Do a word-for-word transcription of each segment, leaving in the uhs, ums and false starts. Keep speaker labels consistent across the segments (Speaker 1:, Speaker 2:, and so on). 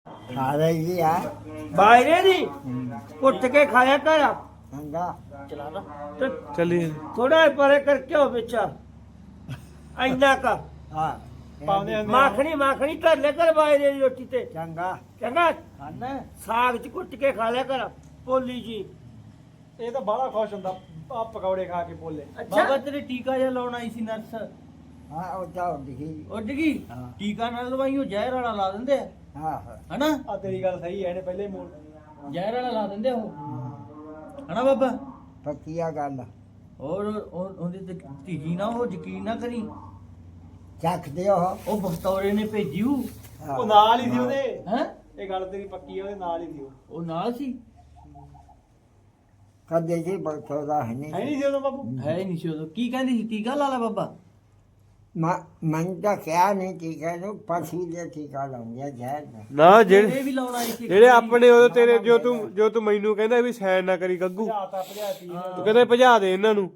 Speaker 1: ਖਾ ਰਹੀ ਜੀ ਆ
Speaker 2: ਬਾਇਰੇ ਦੀ ਕੁੱਟ ਕੇ ਖਾਇਆ ਕਰ
Speaker 1: ਚੰਗਾ
Speaker 2: ਚਲਾ ਨਾ ਤੇ
Speaker 3: ਚੱਲੀਏ
Speaker 2: ਥੋੜਾ ਪਰੇ ਕਰਕੇ ਹੋ ਵਿੱਚ ਇੰਨਾ ਕਾ
Speaker 1: ਹਾਂ
Speaker 3: ਪਾਉਂਦੇ ਆ
Speaker 2: ਮਾਖਣੀ ਮਾਖਣੀ ਧਰ ਲੈ ਕਰ ਬਾਇਰੇ ਦੀ ਰੋਟੀ ਤੇ
Speaker 1: ਚੰਗਾ
Speaker 2: ਚੰਗਾ
Speaker 1: ਖਾਣਾ
Speaker 2: ਸਾਗ ਚ ਕੁੱਟ ਕੇ ਖਾ ਲਿਆ ਕਰ ਪੋਲੀ ਜੀ
Speaker 3: ਇਹ ਤਾਂ ਬੜਾ ਖੁਸ਼ ਹੁੰਦਾ ਆ ਪਕੌੜੇ ਖਾ ਕੇ ਬੋਲੇ
Speaker 4: ਬਾਬਾ ਤੇਰੇ ਟੀਕਾ ਜਿਹਾ ਲਾਉਣ ਆਈ ਸੀ ਨਰਸ
Speaker 1: ਹਾਂ ਉਹ ਤਾਂ ਦਿਖੀ
Speaker 4: ਉੱਡ ਗਈ
Speaker 1: ਹਾਂ।
Speaker 4: ਟੀਕਾ ਨਾਲ ਲਵਾਈ ਉਹ ਜ਼ਹਿਰ ਵਾਲਾ ਲਾ ਦਿੰਦੇ ਆ
Speaker 1: ਹਾਂ ਹਾਂ
Speaker 4: ਹਨਾ
Speaker 3: ਆ ਤੇਰੀ ਗੱਲ ਸਹੀ ਹੈ ਇਹਨੇ ਪਹਿਲੇ ਮੋੜ
Speaker 4: ਜ਼ਹਿਰ ਵਾਲਾ ਲਾ ਦਿੰਦੇ ਆ ਉਹ ਹਨਾ ਬਾਬਾ
Speaker 1: ਪੱਕੀਆ ਗੱਲ
Speaker 4: ਔਰ ਉਹ- ਉਹਦੇ ਤੇ ਧੀਜੀ ਨਾ ਉਹ ਯਕੀਨ ਨਾ ਕਰੀ
Speaker 1: ਚੱਖਦੇ ਉਹ
Speaker 4: ਉਹ ਬਖਤੌਰੇ ਨੇ ਭੇਜੀਉ
Speaker 1: ਹਾਂ।
Speaker 3: ਉਹ ਨਾਲ ਹੀ ਸੀ ਉਹਦੇ
Speaker 4: ਹੈ
Speaker 3: ਇਹ ਗੱਲ ਤੇਰੀ ਪੱਕੀ ਹੈ ਉਹਦੇ ਨਾਲ ਹੀ ਸੀ ਉਹ
Speaker 4: ਉਹ ਨਾਲ ਸੀ
Speaker 1: ਕਦੇ ਜੀ ਬਖਤੌਰਾ ਹੈ
Speaker 3: ਹੈ
Speaker 1: ਨਹੀਂ
Speaker 3: ਨਹੀਂ ਸੀ ਉਦੋਂ ਬਾਬੂ
Speaker 4: ਹੈ ਹੀ ਨਹੀਂ ਸੀ ਉਦੋਂ ਕੀ ਕਹਿੰਦੀ ਸੀ ਟੀਕਾ ਲਾ ਲਾ ਬਾਬਾ
Speaker 1: ਮਨ ਤਾਂ ਕਿਹਾ ਨਹੀਂ ਟੀਕਾ ਨੂੰ ਪਸ਼ੂ ਦੇ ਟੀਕਾ ਲਾਉਂਗੇ ਜ਼ਹਿਰ ਦਾ
Speaker 3: ਨਾ
Speaker 4: ਇਹ ਵੀ ਲਾਉਣ ਆਈ ਸੀ
Speaker 3: ਜਿਹੜੇ ਆਪਣੇ ਉਹ ਤੇਰੇ ਜੋ ਤੂੰ ਜੋ ਤੂੰ ਮੈਨੂੰ ਕਹਿੰਦਾ ਵੀ ਸੈਨ ਨਾ ਕਰੀ ਗੱਗੂ ਤੂੰ ਕਹਿੰਦਾ ਭਜਾ ਦੇ ਇਹਨਾਂ ਨੂੰ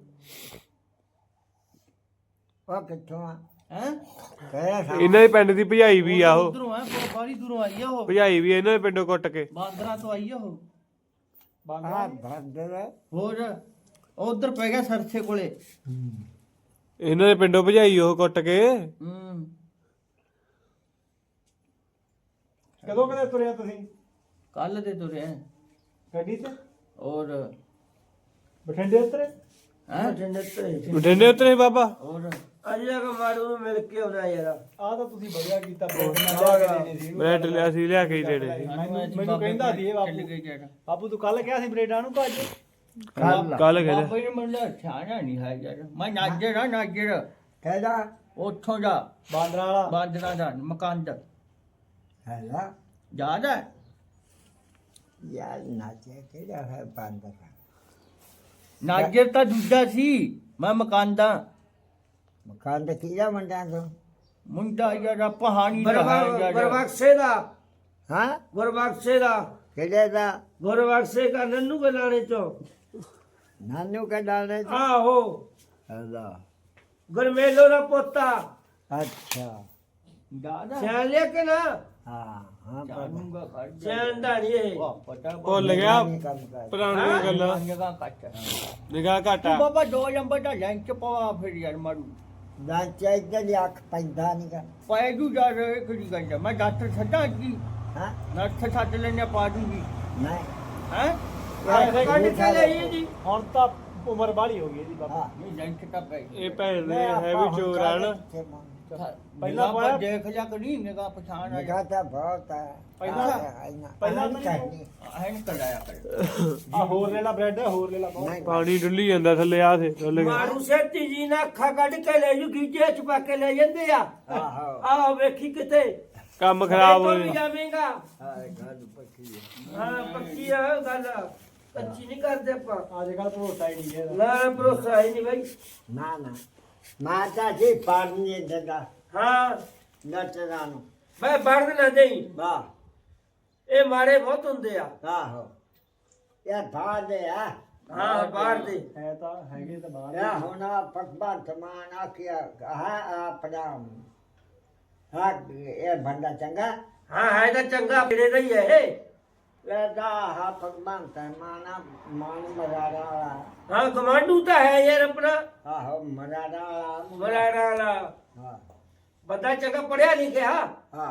Speaker 1: ਉਹ ਕਿੱਥੋਂ ਆ
Speaker 4: ਹੈ
Speaker 1: ਕਿਹੜਾ ਸਾ
Speaker 3: ਇਹਨਾਂ ਦੇ ਪਿੰਡ ਦੀ ਭਜਾਈ ਵੀ ਆ ਉਹ
Speaker 4: ਉਧਰੋਂ ਆ ਬਾਰੀ ਦੂਰੋਂ ਆਈ ਆ ਉਹ
Speaker 3: ਭਜਾਈ ਵੀ ਇਹਨਾਂ ਦੇ ਪਿੰਡੋਂ ਕੁੱਟ ਕੇ
Speaker 4: ਬਾਂਦਰਾ ਤੋਂ ਆਈ ਆ ਉਹ
Speaker 1: ਆ ਭੰਦਰ
Speaker 4: ਹੋਰ ਉਧਰ ਪੈ ਗਿਆ ਸਰਸੇ ਕੋਲੇ
Speaker 3: ਇਹਨਾਂ ਦੇ ਪਿੰਡੋਂ ਭਜਾਈ ਉਹ ਕੁੱਟ ਕੇ
Speaker 4: ਹੂੰ
Speaker 3: ਕਦੋਂ ਕਦੇ ਤੁਰਿਆ ਤੁਸੀਂ
Speaker 4: ਕੱਲ ਦੇ ਤੁਰੇ ਆ
Speaker 3: ਗੱਡੀ ਤੇ
Speaker 4: ਔਰ
Speaker 3: ਬਠਿੰਡੇ ਉਤਰੇ
Speaker 4: ਹੈ
Speaker 3: ਬਠਿੰਡੇ ਉਤਰੇ ਬਾਬਾ
Speaker 4: ਔਰ
Speaker 2: ਅੱਜ ਜਾ ਕੇ ਮਾਰੂ ਨੂੰ ਮਿਲ ਕੇ ਆਉਣਾ ਯਾਰ
Speaker 3: ਆ ਤਾਂ ਤੁਸੀਂ ਵਧੀਆ ਕੀਤਾ ਬ੍ਰੈਡ ਨਾਲ ਲਿਆ ਕੇ ਦੇਣੇ ਸੀ ਬ੍ਰੈਡ ਲਿਆ ਸੀ ਲਿਆ ਕੇ ਹੀ ਦੇਣੇ ਸੀ
Speaker 4: ਮੈਨੂੰ
Speaker 3: ਮੈਨੂੰ ਕਹਿੰਦਾ ਸੀ ਇਹ ਬਾਪੂ ਬਾਪੂ ਤੂੰ ਕੱਲ ਕਿਹਾ ਸੀ ਬ੍ਰੈਡਾਂ ਨੂੰ ਤਾਂ ਅੱਜ
Speaker 1: ਕੱਲ
Speaker 3: ਕੱਲ ਕਹਿੰਦਾ
Speaker 4: ਬਾਬਾ ਜੀ ਮੈਨੂੰ ਛਾਣਾ ਨਹੀਂ ਹੈ ਯਾਰ ਮੈਂ ਨਾਜਰ ਆ ਨਾਜਰ
Speaker 1: ਕਿਹੜਾ
Speaker 4: ਉੱਥੋਂ ਦਾ
Speaker 3: ਬਾਂਦਰਾ ਵਾਲਾ
Speaker 4: ਬਾਂਦਰਾ ਦਾ ਮਕਾਨ ਦਾ
Speaker 1: ਹੈਲਾ
Speaker 4: ਯਾਦ ਹੈ
Speaker 1: ਯਾਰ ਨਾਚੇ ਕਿਹੜਾ ਹੈ ਬੰਦਰ
Speaker 4: ਨਾਜਰ ਤਾਂ ਦੂਜਾ ਸੀ ਮੈਂ ਮਕਾਨ ਦਾ
Speaker 1: ਮਕਾਨ ਦੇ ਕੀੜਾ ਮੰਡਾਂ ਤੋਂ
Speaker 4: ਮੁੰਡਾ ਯਾਰ ਪਹਾੜੀ ਦਾ ਹੈ ਯਾਰ
Speaker 2: ਗੁਰਬਖਸ਼ੇ ਦਾ
Speaker 1: ਹਾਂ
Speaker 2: ਗੁਰਬਖਸ਼ੇ ਦਾ
Speaker 1: ਕਿਹੜੇ ਦਾ
Speaker 2: ਗੁਰਬਖਸ਼ੇ ਦਾ ਨੰਨੂ ਗਲਾਣੇ ਚੋਂ
Speaker 1: ਨਾਨੂ ਕਾ ਡਾਲੇ
Speaker 2: ਆਹੋ
Speaker 1: ਹੈਲਾ
Speaker 2: ਗੁਰਮੇਲੋ ਦਾ ਪੋਤਾ
Speaker 1: ਅੱਛਾ
Speaker 4: ਦਾਦਾ
Speaker 2: ਸਿਆਣ ਲਿਆ ਕਿ ਨਾ
Speaker 1: ਹਾਂ ਹਾਂ ਪਰ
Speaker 4: ਜਾਨੂਗਾ ਖੜ ਜਾ
Speaker 2: ਸਿਆਣਦਾ ਨਹੀਂ ਇਹ
Speaker 4: ਵਾਹ ਪਤਾ
Speaker 3: ਭੁੱਲ ਗਿਆ
Speaker 1: ਨਹੀਂ ਕੰਮ ਕਰ
Speaker 3: ਪੁਰਾਣੀਆਂ ਗੱਲਾਂ
Speaker 4: ਨਿਗਾਹ ਕੱਟ
Speaker 3: ਨਿਗਾਹ ਘਾਟਾ
Speaker 4: ਬਾਬਾ ਦੋ ਨੰਬਰ ਦਾ ਲੈਂਚ ਪਵਾ ਫਿਰ ਯਾਰ ਮਾਰੂ
Speaker 1: ਨਾ ਚਾਹੀਦਾ ਦੀ ਅੱਖ ਪੈਂਦਾ ਨਹੀਂ ਕਰ
Speaker 4: ਪੈ ਜੂ ਜਾ ਰਹੇ ਕਿਹੜੀ ਗੱਲ ਹੈ? ਮੈਂ ਡਾਕਟਰ ਛੱਡਾਂ ਕੀ
Speaker 1: ਹਾਂ
Speaker 4: ਨਰਸ ਛੱਡ ਲੈਣੇ ਪਾ ਦੂੰਗੀ
Speaker 1: ਨਹੀਂ
Speaker 4: ਹੈ
Speaker 2: ਕੱਢ ਕੇ ਲਈ ਜੀ
Speaker 3: ਹੁਣ ਤਾਂ ਉਮਰ ਬਾਹਲੀ ਹੋ ਗਈ ਇਹਦੀ ਬਾਬਾ
Speaker 1: ਹਾਂ
Speaker 4: ਇਹ ਲੈਂਚ ਤਾਂ ਪੈ
Speaker 3: ਇਹ ਭੈਣ ਦੇ ਹੈ ਵੀ ਚੋਰ ਆ ਨਾ
Speaker 4: ਪਹਿਲਾਂ
Speaker 3: ਪਹਿਲਾਂ ਪਾਇਆ-
Speaker 4: ਦੇਖ ਜਾ ਕਰੀ ਨਿਗਾਹ ਪਛਾਣ ਆ
Speaker 1: ਨਿਗਾਹ ਤਾਂ ਬਹੁਤ ਹੈ
Speaker 3: ਪਹਿਲਾਂ-
Speaker 1: ਪਹਿਲਾਂ
Speaker 3: ਪਹਿਲਾਂ
Speaker 1: ਨਹੀਂ
Speaker 3: ਤਾਂ
Speaker 1: ਕਰਨੀ
Speaker 4: ਹੈ ਨ ਕਰਾਇਆ ਕਰ
Speaker 3: ਆ ਹੋਰ ਲੈ ਲਾ ਬ੍ਰੈਡ ਹੋਰ ਲੈ ਲਾ ਬਹੁਤ
Speaker 1: ਨਹੀਂ
Speaker 3: ਪਾਣੀ ਡੁੱਲੀ ਜਾਂਦਾ ਥੱਲੇ ਆ ਥੇ ਡੁੱਲ ਗਿਆ
Speaker 2: ਮਾਰੂ ਸੇਤੀ ਜੀ ਨਾ ਅੱਖਾਂ ਕੱਢ ਕੇ ਲੈ ਜੂ ਗੀਜੇ ਚ ਪਾ ਕੇ ਲੈ ਜਾਂਦੇ ਆ
Speaker 1: ਆਹੋ
Speaker 2: ਆਹ ਵੇਖੀ ਕਿਤੇ
Speaker 3: ਕੰਮ ਖਰਾਬ ਹੋ
Speaker 2: ਵੀ
Speaker 3: ਜਾਣਾ
Speaker 2: ਜਾਵੇਂਗਾ
Speaker 1: ਹਾਂ ਗੱਲ ਪੱਕੀ ਹੈ
Speaker 2: ਹਾਂ ਪੱਕੀ ਆ ਗੱਲ ਕੱਚੀ ਨਹੀਂ ਕਰਦੇ ਆਪਾਂ
Speaker 3: ਅੱਜ ਕੱਲ ਭਰੋਸਾ ਹੀ ਨਹੀਂ ਹੈ ਇਹਦਾ।
Speaker 2: ਨਾ ਭਰੋਸਾ ਹੀ ਨਹੀਂ ਬਾਈ
Speaker 1: ਨਾ ਨਾ ਮਾਤਾ ਜੀ ਪਾਣੀ ਦਦਾ
Speaker 2: ਹਾਂ
Speaker 1: ਨਟਰਾਂ ਨੂੰ
Speaker 2: ਮੈਂ ਵੜਨ ਨਾ ਦੇਈ
Speaker 1: ਵਾਹ
Speaker 2: ਇਹ ਮਾੜੇ ਬਹੁਤ ਹੁੰਦੇ ਆ
Speaker 1: ਆਹੋ ਇਹ ਬਾਹਰ ਦੇ ਆ
Speaker 2: ਹਾਂ ਬਾਹਰ ਦੇ
Speaker 3: ਹੈ ਤਾਂ ਹੈਗੇ ਤਾਂ ਬਾਹਰ
Speaker 1: ਇਹ ਹੋਣਾ ਪਕਵਾਨ ਸਮਾਨ ਆਖਿਆ ਹਾਂ ਆਪਣਾ ਹਾਂ ਇਹ ਬੰਦਾ ਚੰਗਾ
Speaker 2: ਹਾਂ ਹੈ ਤਾਂ ਚੰਗਾ ਫਿਰੇ ਦਾ ਹੀ ਹੈ ਇਹ
Speaker 1: ਲੈਦਾ ਹਾਂ ਪਕਵਾਨ ਸਮਾਨ ਮਾਨ ਮਰਾੜਾ ਵਾਲਾ
Speaker 2: ਹਾਂ ਕਮਾਂਡੂ ਤਾਂ ਹੈ ਯਾਰ ਆਪਣਾ
Speaker 1: ਆਹੋ ਮਰਾੜਾ ਵਾਲਾ
Speaker 2: ਮਰਾੜਾ ਵਾਲਾ
Speaker 1: ਹਾਂ
Speaker 2: ਬੰਦਾ ਚੰਗਾ ਪੜਿਆ ਲਿਖਿਆ
Speaker 1: ਹਾਂ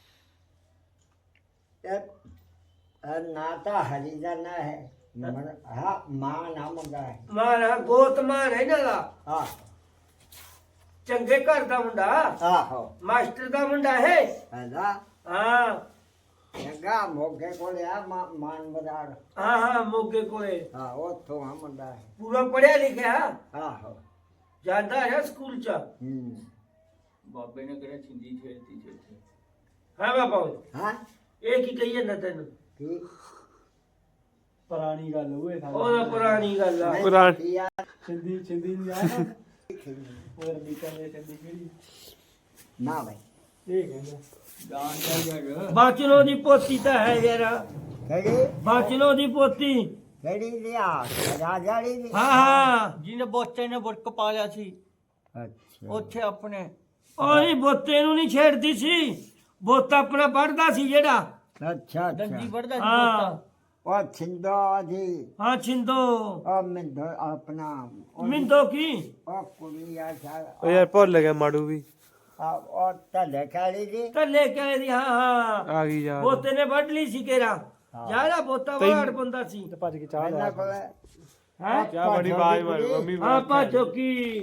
Speaker 1: ਇਹ ਇਹ ਨਾ ਤਾਂ ਹਰੀ ਦਾ ਨਾ ਹੈ ਮਨ- ਹਾਂ ਮਾਂ ਨਾਮ ਦਾ ਹੈ
Speaker 2: ਮਾਰਾ ਗੋਤਮਾਨ ਹੈ ਨਾ ਦਾ
Speaker 1: ਹਾਂ
Speaker 2: ਚੰਗੇ ਘਰ ਦਾ ਮੁੰਡਾ
Speaker 1: ਆਹੋ
Speaker 2: ਮਾਸਟਰ ਦਾ ਮੁੰਡਾ ਹੈ
Speaker 1: ਹੈਦਾ
Speaker 2: ਹਾਂ
Speaker 1: ਚੰਗਾ ਮੋਗੇ ਕੋਲ ਆ ਮਾ- ਮਾਨ ਬਜ਼ਾਰ
Speaker 2: ਹਾਂ ਹਾਂ ਮੋਗੇ ਕੋਲੇ
Speaker 1: ਹਾਂ ਉੱਥੋਂ ਆ ਮੁੰਡਾ ਹੈ
Speaker 2: ਪੂਰਾ ਪੜਿਆ ਲਿਖਿਆ
Speaker 1: ਆਹੋ
Speaker 2: ਜਾਂਦਾ ਹੈ ਸਕੂਲ ਚ
Speaker 1: ਹੂੰ
Speaker 4: ਬਾਬੇ ਨੇ ਕਿਹੜਾ ਛਿੰਦੀ ਛੇੜਤੀ ਛੇੜਤੀ
Speaker 2: ਹਾਂ ਬਾਬਾ ਓਏ,
Speaker 1: ਹਾਂ
Speaker 2: ਇਹ ਕੀ ਕਹੀਏ ਨਾ ਤੈਨੂੰ
Speaker 1: ਕੀ
Speaker 3: ਪੁਰਾਣੀ ਗੱਲ ਹੋਏ
Speaker 2: ਉਹਦਾ ਪੁਰਾਣੀ ਗੱਲ ਆ
Speaker 1: ਨਹੀਂ
Speaker 3: ਪੁਰਾਣ-
Speaker 1: ਕੀ ਆ
Speaker 3: ਛਿੰਦੀ ਛਿੰਦੀ ਨਹੀਂ ਆ ਨਾ ਉਹ ਰਬੀਕਾ ਨੇ ਛਿੰਦੀ ਕਿਹੜੀ
Speaker 1: ਨਾ ਭਾਈ
Speaker 3: ਇਹ ਕਹਿੰਦਾ
Speaker 4: ਜਾਨ ਜਾ ਯਾਰ
Speaker 2: ਬਾਚਨੋ ਦੀ ਪੋਤੀ ਤਾਂ ਹੈ ਯਾਰ
Speaker 1: ਕਿਹੜੀ
Speaker 2: ਬਾਚਨੋ ਦੀ ਪੋਤੀ
Speaker 1: ਕਿਹੜੀ ਲਿਆ ਰਾਜਾੜੀ ਦੀ
Speaker 2: ਹਾਂ ਹਾਂ
Speaker 4: ਜਿਹਨੇ ਬੋਚੇ ਨੇ ਬੁਰਕ ਪਾ ਲਿਆ ਸੀ
Speaker 1: ਅੱਛਾ
Speaker 4: ਉੱਥੇ ਆਪਣੇ
Speaker 2: ਉਹੀ ਬੋਤੇ ਨੂੰ ਨਹੀਂ ਛੇੜਦੀ ਸੀ ਬੋਤਾ ਆਪਣਾ ਪੜਦਾ ਸੀ ਜਿਹੜਾ
Speaker 1: ਅੱਛਾ
Speaker 4: ਦੰਦੀ
Speaker 1: ਅੱਛਾ
Speaker 4: ਵੜਦਾ ਸੀ
Speaker 2: ਹਾਂ
Speaker 4: ਪੋਤਾ
Speaker 1: ਉਹ ਛਿੰਦੋ ਜੀ
Speaker 2: ਹਾਂ ਛਿੰਦੋ
Speaker 1: ਉਹ ਮਿੰਦੋ ਆਪਣਾ ਉਹ-
Speaker 2: ਮਿੰਦੋ ਕੀ
Speaker 1: ਉਹ ਕੁੜੀ ਆ ਸਾ
Speaker 3: ਉਹ ਯਾਰ ਭੁੱਲ ਗਿਆ ਮਾੜੂ ਵੀ
Speaker 1: ਉਹ ਢੱਲੇ ਕਾਲੀ ਜੀ
Speaker 2: ਕੱਲੇ ਕਹਿ ਦੀ ਹਾਂ ਹਾਂ
Speaker 3: ਆ ਗਈ ਯਾਦ
Speaker 2: ਬੋਤੇ ਨੇ ਵੱਢ ਲਈ ਸੀ ਕੇਰਾ ਯਾਰਾ ਬੋਤਾ ਬੜਾ ਅੜਪੰਦਾ ਸੀ
Speaker 3: ਭੱਜ ਕੇ ਚਾਹ
Speaker 1: ਇਹਨਾਂ ਕੋਲ
Speaker 2: ਹੈ
Speaker 3: ਚਾਹ ਬੜੀ ਆਵਾਜ਼ ਮਾਰ ਮੰਮੀ
Speaker 2: ਹਾਂ ਭਾਜੋ ਕੀ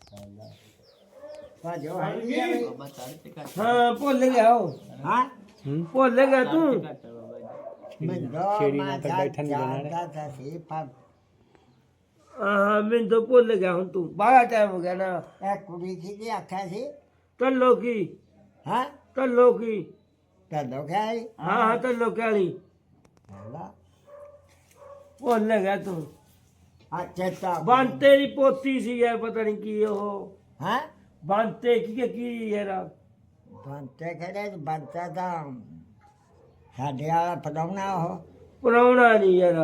Speaker 1: ਭਾਜੋ ਹੈ ਨੀ ਜੀ।
Speaker 4: ਬਾਬਾ ਚੜ ਤੇ ਘੱਟ
Speaker 2: ਹਾਂ ਭੁੱਲ ਗਿਆ ਉਹ
Speaker 1: ਹਾਂ
Speaker 2: ਭੁੱਲ ਗਿਆ ਤੂੰ
Speaker 4: ਘੱਟ ਬਾਬਾ ਜੀ
Speaker 1: ਮਿੰਦੋ ਮੈਂ ਬੈਠਣ ਜਾਣਦਾ ਤਾਂ ਸੀ ਪਰ
Speaker 2: ਹਾਂ ਮੈਨੂੰ ਤਾਂ ਭੁੱਲ ਗਿਆ ਹੁਣ ਤੂੰ ਬਾਹਲਾ ਟਾਈਮ ਹੋ ਗਿਆ ਨਾ
Speaker 1: ਇਹ ਕੁੜੀ ਕਿਹਦੀ ਆਖਿਆ ਸੀ
Speaker 2: ਟੱਲੋ ਕੀ
Speaker 1: ਹਾਂ
Speaker 2: ਟੱਲੋ ਕੀ
Speaker 1: ਢੱਲੋ ਖਾਈ
Speaker 2: ਹਾਂ ਹਾਂ ਟੱਲੋ ਕਾਲੀ
Speaker 1: ਹਲਾ
Speaker 2: ਭੁੱਲ ਗਿਆ ਤੂੰ
Speaker 1: ਆ ਚੇਤਾ
Speaker 2: ਬੰਤੇ ਦੀ ਪੋਤੀ ਸੀ ਯਾਰ ਪਤਾ ਨਹੀਂ ਕੀ ਉਹ
Speaker 1: ਹਾਂ
Speaker 2: ਬੰਤੇ ਕੀ ਕੀ- ਕੀ ਯਾਰ
Speaker 1: ਬੰਤੇ ਖੜੇ ਬੰਤਾ ਦਾ ਸਾਡੇ ਵਾਲਾ ਪੜਾਉਣਾ ਉਹ
Speaker 2: ਪੁਰਾਉਣਾ ਨਹੀਂ ਯਾਰ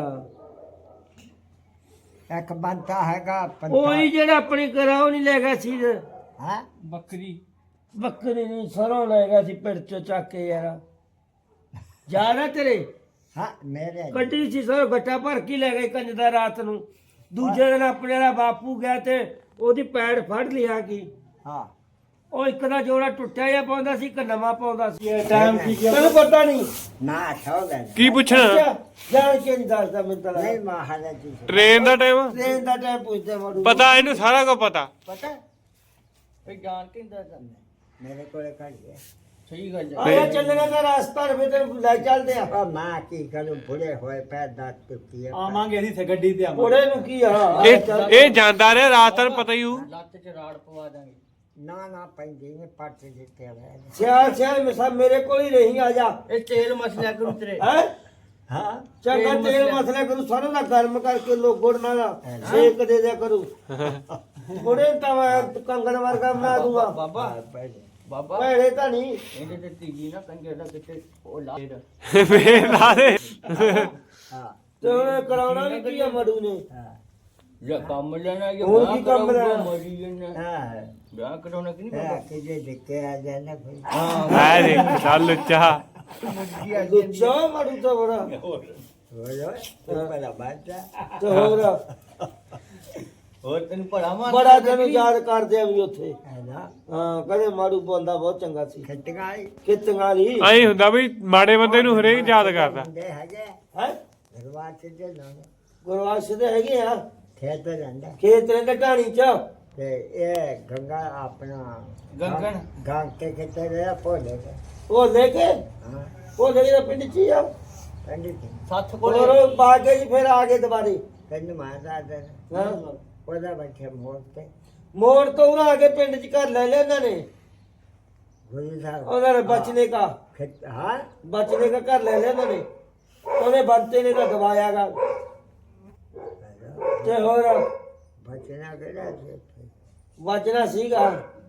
Speaker 1: ਇੱਕ ਬੰਤਾ ਹੈਗਾ
Speaker 2: ਉਹੀ ਜਿਹੜਾ ਆਪਣੀ ਕਰਾਉ ਨਹੀਂ ਲੈ ਗਿਆ ਸੀ
Speaker 1: ਹਾਂ
Speaker 2: ਬੱਕਰੀ ਬੱਕਰੀ ਨਹੀਂ ਸਰੋਂ ਲੈ ਗਿਆ ਸੀ ਪਿੰਡ ਚੋਂ ਚੱਕ ਕੇ ਯਾਰ ਜਾਣਾ ਤੇਰੇ
Speaker 1: ਹਾਂ ਮੇਰੇ
Speaker 2: ਕੱਢੀ ਸੀ ਸਰੋਂ ਗੱਟਾ ਭਰ ਕੇ ਲੈ ਗਏ ਕੰਜ ਦਾ ਰਾਤ ਨੂੰ ਦੂਜੇ ਦਿਨ ਆਪਣੇ ਵਾਲਾ ਬਾਪੂ ਗਿਆ ਤੇ ਉਹਦੀ ਪੈੜ ਫੜ ਲਿਆ ਕੀ
Speaker 1: ਹਾਂ
Speaker 2: ਉਹ ਇੱਕ ਦਾ ਜੋੜਾ ਟੁੱਟਿਆ ਜਾਂ ਪਾਉਂਦਾ ਸੀ ਇੱਕ ਨਵਾਂ ਪਾਉਂਦਾ ਸੀ ਟਾਈਮ ਕੀ ਤੈਨੂੰ ਪਤਾ ਨਹੀਂ
Speaker 1: ਨਾ ਸੌ ਗਏ
Speaker 3: ਕੀ ਪੁੱਛਣਾ
Speaker 2: ਅੱਛਾ, ਜਾਣ ਕੇ ਨਹੀਂ ਦੱਸਦਾ ਮੈਨੂੰ ਤਾਂ
Speaker 1: ਨਹੀਂ ਮਹਾਰਾਜ ਜੀ
Speaker 3: ਟ੍ਰੇਨ ਦਾ ਟਾਈਮ
Speaker 2: ਟ੍ਰੇਨ ਦਾ ਟਾਈਮ ਪੁੱਛਦੇ ਮੜੂ
Speaker 3: ਪਤਾ ਇਹਨੂੰ ਸਾਰਾ ਕੁਝ ਪਤਾ
Speaker 1: ਪਤਾ
Speaker 4: ਫੇ ਜਾਣ ਕੇ ਨਹੀਂ ਦੱਸਦਾ
Speaker 1: ਮੇਰੇ ਕੋਲੇ ਕੱਢ ਗਿਆ
Speaker 4: ਸਹੀ ਗੱਲ ਹੈ
Speaker 2: ਆਇਆ ਚੱਲਣਾ ਦਾ ਰਸਤਾ ਰਵੇ ਤੇ ਲੈ ਚੱਲਦੇ ਆ
Speaker 1: ਉਹ ਮਾਂ ਕੀ ਕਰੂੰ ਬੁੜੇ ਹੋਏ ਪੈਰ ਦਾਤ ਟੁੱਟੀ ਹੈ
Speaker 2: ਆਵਾਂਗੇ ਅਸੀਂ ਗੱਡੀ ਤੇ ਆਵਾਂਗੇ ਉਹਦੇ ਨੂੰ ਕੀ ਆ
Speaker 3: ਇਹ ਇਹ ਜਾਂਦਾ ਰਿਹਾ ਰਾਤ ਨੂੰ ਪਤਾ ਹੀ ਹੋਊ
Speaker 4: ਲੱਤ ਚ ਰਾੜ ਪਵਾ ਦਾਂਗੇ
Speaker 1: ਨਾ ਨਾ ਪੈਂਦੀ ਨੇ ਪੱਟ ਦਿੱਤੇ ਹੋਏ
Speaker 2: ਸਿਆਲ ਸਿਆਲ ਮੈਂ ਸਭ ਮੇਰੇ ਕੋਲ ਹੀ ਰਹੀ ਆ ਜਾ
Speaker 4: ਇਹ ਤੇਲ ਮਸਲਿਆ ਕਰੂ ਤੇਰੇ
Speaker 2: ਹੈ
Speaker 1: ਹਾਂ
Speaker 2: ਚੰਗਾ ਤੇਲ ਮਸਲਾ ਕਰੂ ਸਾਰਾ ਦਾ ਗਰਮ ਕਰਕੇ ਲੋ ਗੁੜ ਨਾਲ ਸੇਕ ਦੇ ਦਿਆ ਕਰੂ ਗੁੜੇ ਤਾਂ ਮੈਂ ਕੰਗਣ ਵਰਗਾ ਬਣਾ ਦੂੰਗਾ
Speaker 4: ਬਾਬਾ
Speaker 1: ਪਹਿਲੇ
Speaker 4: ਬਾਬਾ
Speaker 2: ਭੈੜੇ ਤਾਂ ਨਹੀਂ
Speaker 4: ਇਹਦੇ ਤੇ ਤੀਜੀ ਨਾ ਕੰਜਰ ਦਾ ਕਿਤੇ ਉਹ ਲਾ
Speaker 3: ਫੇਰ ਲਾ ਦੇ
Speaker 1: ਹਾਂ
Speaker 2: ਤੇ ਉਹਨੇ ਕਰਾਉਣਾ ਵੀ ਕੀ ਆ ਮੜੂ ਨੇ
Speaker 1: ਹਾਂ
Speaker 4: ਜਾਂ ਕੰਮ ਲੈਣਾ ਜਾਂ
Speaker 2: ਹੋਰ
Speaker 4: ਵਿਆਹ
Speaker 2: ਕੀ ਕੰਮ
Speaker 4: ਕਰਾਊਗਾ,
Speaker 2: ਲੈਣਾ?
Speaker 4: ਮਰੀ ਜਾਣਾ
Speaker 1: ਹਾਂ
Speaker 4: ਵਿਆਹ ਕਰਾਉਣਾ ਕਿ ਨਹੀਂ
Speaker 1: ਇਹ
Speaker 4: ਬਾਬਾ
Speaker 1: ਕਿਤੇ ਦਿੱਕੇ ਆ ਜਾਣਾ ਕੋਈ
Speaker 3: ਹੈ ਦੇਖ ਚੱਲ ਉੱਚਾ
Speaker 2: ਲੁੱਚਾ ਮੜੂ ਤਾਂ ਬੜਾ
Speaker 1: ਹੋਏ ਹੋਏ ਤੂੰ ਪਹਿਲਾਂ ਬਾਜਾ
Speaker 2: ਤੇ ਹੋਰ
Speaker 4: ਹੋਰ ਤੈਨੂੰ ਭਲਾ ਮਾਰ
Speaker 2: ਬੜਾ ਤੈਨੂੰ ਯਾਦ ਕਰਦੇ ਆ ਵੀ ਉੱਥੇ
Speaker 1: ਹੈ ਨਾ
Speaker 2: ਹਾਂ ਕਹਿੰਦੇ ਮਾੜੂ ਬੰਦਾ ਬਹੁਤ ਚੰਗਾ ਸੀ
Speaker 1: ਖਟਕਾਈ
Speaker 2: ਖੇਤਾਂ ਵਾਲੀ
Speaker 3: ਐਂ ਹੁੰਦਾ ਵੀ ਮਾੜੇ ਬੰਦੇ ਨੂੰ ਹਰੇਕ ਯਾਦ ਕਰਦਾ
Speaker 1: ਹੁੰਦੇ ਹੈਗੇ
Speaker 2: ਹੈ
Speaker 1: ਦਰਬਾਰ ਚ ਜੇ ਨਾ
Speaker 2: ਗੁਰਵਾਸ ਦੇ ਹੈਗੇ ਆ
Speaker 1: ਖੇਤ ਜਾਂਦਾ
Speaker 2: ਖੇਤ ਰਹਿੰਦੇ ਢਾਣੀ ਚ
Speaker 1: ਤੇ ਇਹ ਗੰਗਾ ਆਪਣਾ
Speaker 4: ਗੰਗਣ
Speaker 1: ਗਾਂ ਕੇ ਕਿਤੇ ਰਿਹਾ ਭੋਲੇ ਤੇ
Speaker 2: ਉਹ ਲੈ ਕੇ
Speaker 1: ਹਾਂ
Speaker 2: ਉਹ ਲੈ ਕੇ ਪਿੰਡ ਚ ਹੀ ਆ
Speaker 1: ਪੰਡਿਤ ਜੀ
Speaker 4: ਸੱਤ
Speaker 2: ਹੋਰ
Speaker 4: ਕੋਲੇ
Speaker 2: ਉਹ ਪਾ ਕੇ ਜੀ ਫਿਰ ਆ ਗਏ ਦੁਬਾਰੇ
Speaker 1: ਕੰਨ ਮਾਰਦਾ ਦੇ
Speaker 2: ਹਾਂ
Speaker 1: ਉਹਦਾ ਬੈਠੇ ਮੋੜ ਤੇ
Speaker 2: ਮੋੜ ਤੋਂ ਉਹਨਾਂ ਆ ਕੇ ਪਿੰਡ ਚ ਘਰ ਲੈ ਲਿਆ ਉਹਨਾਂ ਨੇ
Speaker 1: ਗੁਰੂ ਸਾਹਿਬ
Speaker 2: ਉਹਨਾਂ ਨੇ ਬਚਨੇ का
Speaker 1: ਖੇਤ ਹਾਂ
Speaker 2: बचने का घर ले लिया उन्होंने उन्हें बनते ने तो दबाया गा ते होर
Speaker 1: ਬਚਣਾ ਕਿਹੜਾ ਸੀ
Speaker 2: बचना सीगा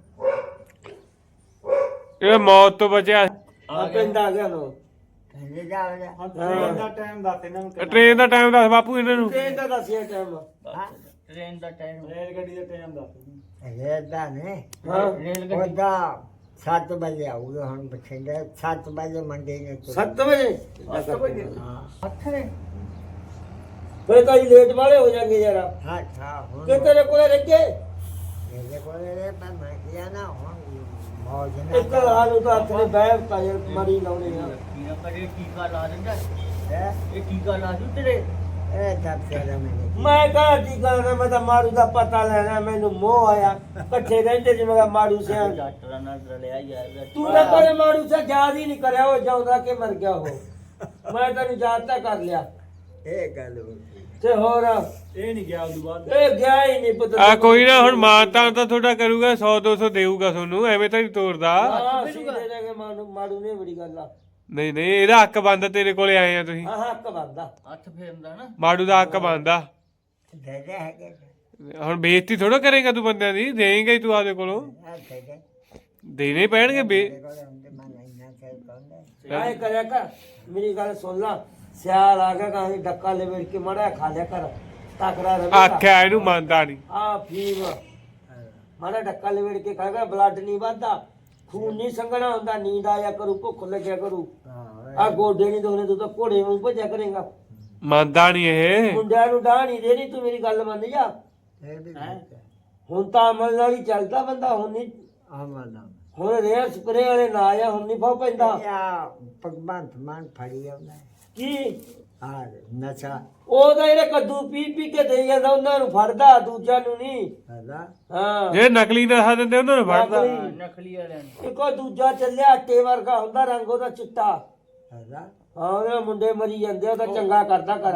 Speaker 3: ਇਹ ਮੌਤ ਤੋਂ ਬਚਿਆ
Speaker 2: आ पिंड आ गया नो
Speaker 1: ਕਹਿੰਦੇ ਜਾ ਜਾ
Speaker 2: ट्रेन दा
Speaker 3: ਟ੍ਰੇਨ ਦਾ ਟਾਈਮ ਦੱਸ ਬਾਪੂ ਇਹਨਾਂ ਨੂੰ
Speaker 2: ट्रेन दा दसिया टाइम
Speaker 4: ਟ੍ਰੇਨ ਦਾ ਟਾਈਮ
Speaker 2: रेल गड्डी दा टाइम दस
Speaker 1: ਰੇਦਾ ਨੇ
Speaker 2: हां
Speaker 4: ਰੇਲ ਗੱਡੀ
Speaker 1: ਉਹਦਾ ਸੱਤ ਵਜੇ ਆਊਗਾ ਹੁਣ ਬਠਿੰਡੇ ਸੱਤ ਵਜੇ ਮੰਡੀ ਨੇ ਤੁਰ-
Speaker 2: सात बजे
Speaker 1: ਹਾਂ
Speaker 4: ਹੱਥ ਨੇ
Speaker 2: फिर तो लेट वाले हो जाएंगे जरा
Speaker 1: ਹਾਂ ਹਾਂ ਹੁਣ
Speaker 2: कि तेरे को रह के
Speaker 1: ਮੇਰੇ ਕੋਲ ਇਹ ਮੈਂ ਮੈਂ ਕਿਹਾ ਨਾ ਹੁਣ ਮੌਜ
Speaker 2: एक
Speaker 1: ਨਾ
Speaker 2: हाल तो हाथ ने बैठ का मरी लाउने यार
Speaker 4: ਕੀੜਾ ਕਰੇ ਟੀਕਾ ਲਾ ਦਿੰਦਾ
Speaker 1: ਹੈ
Speaker 4: ਇਹ ਟੀਕਾ ਲਾ ਦੂ ਤੇਰੇ
Speaker 1: ਇਹ ਦੱਸ ਤੇਰਾ ਮੈਨੂੰ
Speaker 2: मैं कहा की करना मैं तो मारू दा पता लेना मैनू मोह आया इकट्ठे रहंदे जिवें का मारू से
Speaker 4: ਡਾਕਟਰਾਂ ਨਾਲ ਰਲਿਆ ਯਾਰ
Speaker 2: तू ना करे मारू से याद ही नहीं करया वो जाउदा के मर गया हो मैं तेन याद तो कर लिया
Speaker 1: ਇਹ ਗੱਲ ਹੋ ਗਈ
Speaker 2: ਤੇ ਹੋਰ
Speaker 4: ਇਹ ਨਹੀਂ ਗਿਆ ਉਦੋਂ ਬਾਅਦ
Speaker 2: ਇਹ ਗਿਆ ਹੀ ਨਹੀਂ ਪਤਾ
Speaker 3: ਆ ਕੋਈ ਨਾ ਹੁਣ ਮਾਨਤਾ ਤਾਂ ਤੁਹਾਡਾ ਕਰੂਗਾ ਸੌ ਦੋ ਸੌ ਦੇਊਗਾ ਤੁਹਾਨੂੰ ਐਵੇਂ ਤਾਂ ਨਹੀਂ ਤੋਰਦਾ
Speaker 2: ਹਾਂ ਸੀਧੇ ਲੈ ਕੇ ਮਾਰੂ ਮਾਰੂ ਨੇ ਬੜੀ ਗੱਲ ਆ
Speaker 3: ਨਹੀਂ ਨਹੀਂ ਇਹਦਾ ਹੱਕ ਬੰਦਾ ਤੇਰੇ ਕੋਲੇ ਆਏ ਆ ਤੁਸੀਂ
Speaker 2: ਹਾਂ ਹੱਕ ਬੰਦਾ
Speaker 4: ਹੱਥ ਫੇਰਦਾ ਨਾ
Speaker 3: ਮਾੜੂ ਦਾ ਹੱਕ ਬੰਦਾ
Speaker 1: ਦੇ ਦੇ ਹੈਗੇ
Speaker 3: ਹੁਣ ਬੇਇੱਜ਼ਤੀ ਥੋੜਾ ਕਰੇਗਾ ਤੂੰ ਬੰਦਿਆਂ ਦੀ ਦੇਂਗਾ ਹੀ ਤੂੰ ਆਪਦੇ ਕੋਲੋਂ
Speaker 1: ਆ ਦੇ ਦੇ
Speaker 3: ਦੇਣੇ ਪੈਣਗੇ ਬੇ
Speaker 1: ਮੇਰੇ ਕੋਲ ਹੁੰਦੇ ਮੈਂ ਇੰਨਾ ਕਹਿ ਪਾਉਂਦਾ
Speaker 2: ਆਏ ਕਰਿਆ ਕਰ ਮੇਰੀ ਗੱਲ ਸੁਣ ਲਾ ਸਿਆਲ ਆ ਗਿਆ ਕਹਾਂ ਡੱਕਾ ਲੈ ਵੇੜ ਕੇ ਮੜਾ ਖਾ ਲਿਆ ਕਰ ਤਕੜਾ ਰਹੇ
Speaker 3: ਆਖਿਆ ਇਹਨੂੰ ਮੰਨਦਾ ਨਹੀਂ
Speaker 2: ਆ ਫੀਮ ਮੜਾ ਡੱਕਾ ਲੈ ਵੇੜ ਕੇ ਖਾਏਗਾ ਬਲੱਡ ਨਹੀਂ ਵੱਧਦਾ ਖੂਨ ਨਹੀਂ ਸੰਘਣਾ ਹੁੰਦਾ ਨੀਂਦ ਆਇਆ ਕਰੂ ਭੁੱਖ ਲੱਗਿਆ ਕਰੂ
Speaker 1: ਹਾਂ
Speaker 2: ਆ ਗੋਡੇ ਨਹੀਂ ਦੋਨੇ ਤੂੰ ਤਾਂ ਘੋੜੇ ਵਾਂਗ ਭੱਜਿਆ ਕਰੇਗਾ
Speaker 3: ਮੰਨਦਾ ਨਹੀਂ ਇਹ
Speaker 2: ਮੁੰਡਿਆਂ ਨੂੰ ਡਾਹ ਨਹੀਂ ਦੇਣੀ ਤੂੰ ਮੇਰੀ ਗੱਲ ਮੰਨ ਜਾ
Speaker 1: ਇਹ ਵੀ
Speaker 2: ਹੈਂ? ਹੁਣ ਤਾਂ ਅਮਲ ਨਾਲ ਹੀ ਚੱਲਦਾ ਬੰਦਾ ਹੁਣ ਨਹੀਂ
Speaker 1: ਆਮਨਾ
Speaker 2: ਹੁਣ ਰੇਅਰ ਸਪਰੇ ਵਾਲੇ ਨਾ ਆ ਹੁਣ ਨਹੀਂ ਫਾ ਪੈਂਦਾ
Speaker 1: ਯਾ ਭਗਵੰਤ ਮਾਨ ਫੜੀ ਆਉਂਦਾ ਹੈ।
Speaker 2: ਕੀ
Speaker 1: ਹਾਂ ਨਸ਼ਾ
Speaker 2: ਉਹ ਤਾਂ ਇਹਨੇ ਕੱਦੂ ਪੀ ਪੀ ਕੇ ਦੇ ਜਾਂਦਾ ਉਹਨਾਂ ਨੂੰ ਫੜਦਾ ਦੂਜਾ ਨੂੰ ਨਹੀਂ
Speaker 1: ਹੈਦਾ
Speaker 2: ਹਾਂ
Speaker 3: ਜਿਹੜੇ ਨਕਲੀ ਨਸ਼ਾ ਦਿੰਦੇ ਉਹਨਾਂ ਨੂੰ ਫੜਦਾ
Speaker 2: ਨਕਲੀ।
Speaker 4: ਨਕਲੀ ਵਾਲਿਆਂ ਨੂੰ
Speaker 2: ਇੱਕੋ ਦੂਜਾ ਚੱਲਿਆ ਆਟੇ ਵਰਗਾ ਹੁੰਦਾ ਰੰਗ ਉਹਦਾ ਚਿੱਟਾ
Speaker 1: ਹੈਦਾ
Speaker 2: ਹਾਂ ਉਹਦੇ ਮੁੰਡੇ ਮਰੀ ਜਾਂਦੇ ਉਹ ਤਾਂ ਚੰਗਾ ਕਰਦਾ ਕਰ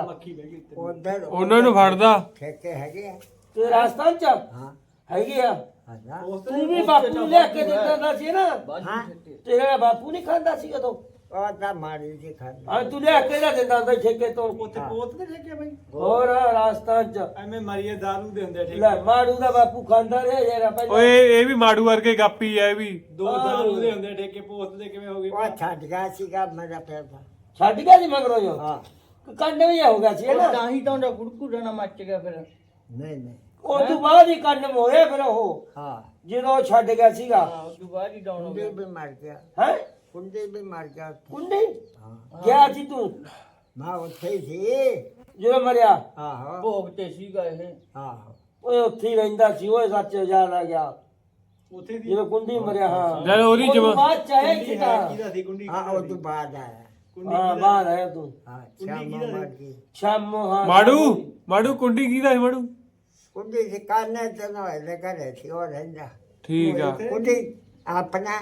Speaker 1: ਉਧਰ
Speaker 3: ਉਹਨਾਂ ਨੂੰ ਫੜਦਾ
Speaker 1: ਠੇਕੇ ਹੈਗੇ ਆ
Speaker 2: ਤੇ ਰਾਜਸਥਾਨ ਚ
Speaker 1: ਹਾਂ
Speaker 2: ਹੈਗੀ ਆ
Speaker 1: ਹੈਦਾ
Speaker 2: ਤੂੰ ਵੀ ਬਾਪੂ ਨੂੰ ਲਿਆ ਕੇ ਦਿੰਦਾ ਹੁੰਦਾ ਸੀ ਨਾ
Speaker 1: ਹਾਂ
Speaker 2: ਤੇਰਾ ਬਾਪੂ ਨਹੀਂ ਖਾਂਦਾ ਸੀ ਉਦੋਂ
Speaker 1: ਉਹ ਤਾਂ ਮਾਰੀ ਜੀ ਖਾਂਦਾ
Speaker 2: ਹਾਂ ਤੂੰ ਲਿਆ ਕੇ ਨਾ ਦਿੰਦਾ ਹੁੰਦਾ ਸੀ ਠੇਕੇ ਤੋਂ
Speaker 5: ਉੱਥੇ ਪੋਤ ਦੇ ਠੇਕੇ ਬਾਈ
Speaker 2: ਹੋਰ ਰਾਜਸਥਾਨ ਚ
Speaker 5: ਐਵੇਂ ਮਾਰੀਏ ਦਾਰੂ ਦੇ ਹੁੰਦੇ ਆ ਠੇਕੇ
Speaker 2: ਲੈ ਮਾੜੂ ਦਾ ਬਾਪੂ ਖਾਂਦਾ ਰਿਹਾ ਜਰਾ ਪਹਿਲਾਂ
Speaker 3: ਓਏ ਇਹ ਵੀ ਮਾੜੂ ਵਰਗੇ ਗਾਪੀ ਆ ਇਹ ਵੀ
Speaker 5: ਦੋ ਦਾਰੂ ਦੇ ਹੁੰਦੇ ਆ ਠੇਕੇ ਪੋਤ ਦੇ ਕਿਵੇਂ ਹੋ ਗਏ
Speaker 1: ਉਹ ਛੱਡ ਗਿਆ ਸੀਗਾ ਮੇਰਾ ਪੈਸਾ
Speaker 2: ਛੱਡ ਗਿਆ ਸੀ ਮਗਰੋਂ ਜੋ
Speaker 1: ਹਾਂ
Speaker 2: ਕੰਡ ਵੀ ਹੋ ਗਿਆ ਸੀ
Speaker 4: ਉਹ
Speaker 2: ਨਾ
Speaker 4: ਤਾਂ ਹੀ ਤਾਂ ਉਹਦਾ ਕੁੜਕੁੜਾ ਨਾ ਮੱਚ ਗਿਆ ਫਿਰ
Speaker 1: ਨਹੀਂ ਨਹੀਂ
Speaker 2: ਉਹ ਤੋਂ ਬਾਅਦ ਹੀ ਕੰਡ ਹੋਇਆ ਫਿਰ ਉਹ
Speaker 1: ਹਾਂ
Speaker 2: ਜਦੋਂ ਉਹ ਛੱਡ ਗਿਆ ਸੀਗਾ
Speaker 4: ਹਾਂ ਉਸ ਤੋਂ ਬਾਅਦ ਹੀ ਡਾਊਨ ਹੋ
Speaker 1: ਕੁੰਡੀ
Speaker 4: ਗਿਆ
Speaker 1: ਵੀ ਮਰ ਗਿਆ
Speaker 2: ਹੈ
Speaker 1: ਕੁੰਡੀ ਵੀ ਮਰ ਗਿਆ ਉੱਥੇ।
Speaker 2: ਕੁੰਡੀ
Speaker 1: ਹਾਂ
Speaker 2: ਗਿਆ ਸੀ ਤੂੰ
Speaker 1: ਮੈਂ ਉੱਥੇ ਹੀ ਸੀ
Speaker 2: ਜਦੋਂ ਮਰਿਆ
Speaker 1: ਆਹੋ
Speaker 4: ਭੋਗ ਤੇ ਸੀਗਾ ਇਹ
Speaker 1: ਆਹੋ
Speaker 2: ਓਏ ਉੱਥੇ ਹੀ ਰਹਿੰਦਾ ਸੀ ਓਏ ਸੱਚ ਯਾਦ ਆ ਗਿਆ
Speaker 5: ਉੱਥੇ ਦੀ
Speaker 2: ਜਦੋਂ ਕੁੰਡੀ ਮਰਿਆ ਹਾਂ
Speaker 3: ਜਦ ਉਹਦੀ
Speaker 2: ਉਹ ਤੋਂ
Speaker 3: ਜਮਾ
Speaker 2: ਬਾਅਦ ਚਾਹੇ
Speaker 5: ਕੁੰਡੀ
Speaker 2: ਕਿਤਾ
Speaker 5: ਹੈ ਕਿਹਦਾ ਸੀ ਕੁੰਡੀ
Speaker 1: ਹਾਂ ਉਹ ਤੋਂ ਬਾਅਦ ਆਇਆ
Speaker 2: ਹਾਂ ਬਾਹਰ ਆਇਆ ਤੂੰ
Speaker 1: ਹਾਂ ਸ਼ਾਮ ਮਰ ਗਈ
Speaker 2: ਸ਼ਾਮ ਹਾਂ
Speaker 3: ਮਾੜੂ ਮਾੜੂ ਕੁੰਡੀ ਕਿਹਦਾ ਹੈ ਮਾੜੂ
Speaker 1: ਕੁੰਡੀ ਸੀ ਕਾਨੇ ਤੇ ਨਾ ਇਹਦੇ ਘਰੇ ਸੀ ਉਹ ਰਹਿੰਦਾ
Speaker 3: ਠੀਕ ਆ
Speaker 1: ਕੁੰਡੀ ਆਪਣਾ